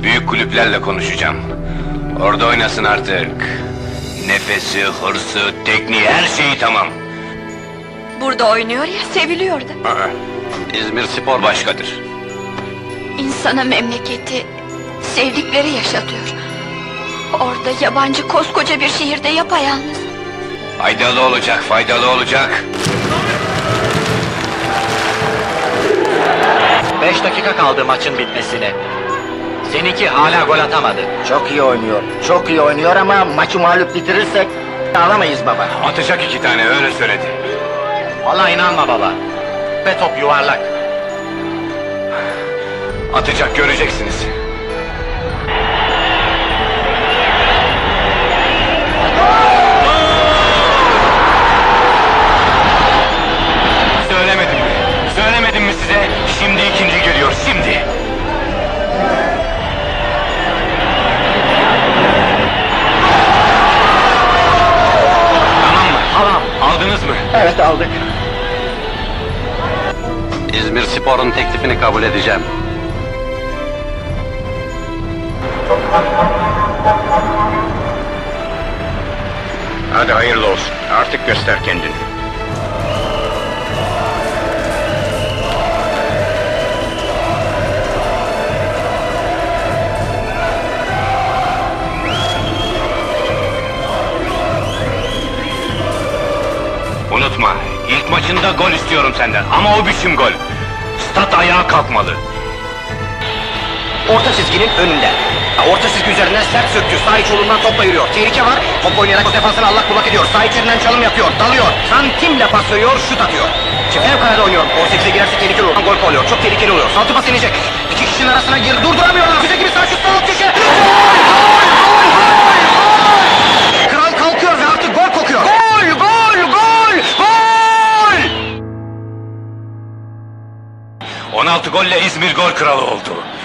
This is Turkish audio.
Büyük kulüplerle konuşacağım. Orada oynasın artık. Nefesi, hırsı, tekniği, her şeyi tamam. Burada oynuyor ya, seviliyor da. İzmir Spor başkadır. İnsana memleketi, sevdikleri yaşatıyor. Orada yabancı koskoca bir şehirde yapayalnız. Faydalı olacak, faydalı olacak. 5 dakika kaldı maçın bitmesine. Seninki hala gol atamadı. Çok iyi oynuyor. Çok iyi oynuyor ama maçı mağlup bitirirsek alamayız baba. Atacak 2 tane, öyle söyledi. Vallahi inanma baba. Ve top yuvarlak. Atacak, göreceksiniz. Söylemedim mi? Söylemedim mi size? Şimdi ikinci geliyor, şimdi. Tamam mı? Tamam. Aldınız mı? Evet aldık. İzmir Spor'un teklifini kabul edeceğim. Hadi hayırlı olsun. Artık göster kendini. Unutma, ilk maçında gol istiyorum senden ama o biçim gol. Stat ayağa kalkmalı. Orta çizginin önünde. Orta çizgi üzerinden sert söktü. Sağ iç yolundan topla yürüyor. Tehlike var. Top oynayarak o defansını allak bullak ediyor. Sağ içerinden çalım yapıyor. Dalıyor. Santimle pas veriyor. Şut atıyor. Fevkalade oynuyor. 18'e girerse tehlikeli olur. Gol oluyor. Çok tehlikeli oluyor. Saltı pas inecek. İki kişinin arasına gir. Durduramıyorlar. Füze gibi sağ şut sol köşe. Kral kalkıyor ve artık gol kokuyor. Gol! Gol! Gol! Gol! 16 golle İzmir gol kralı oldu.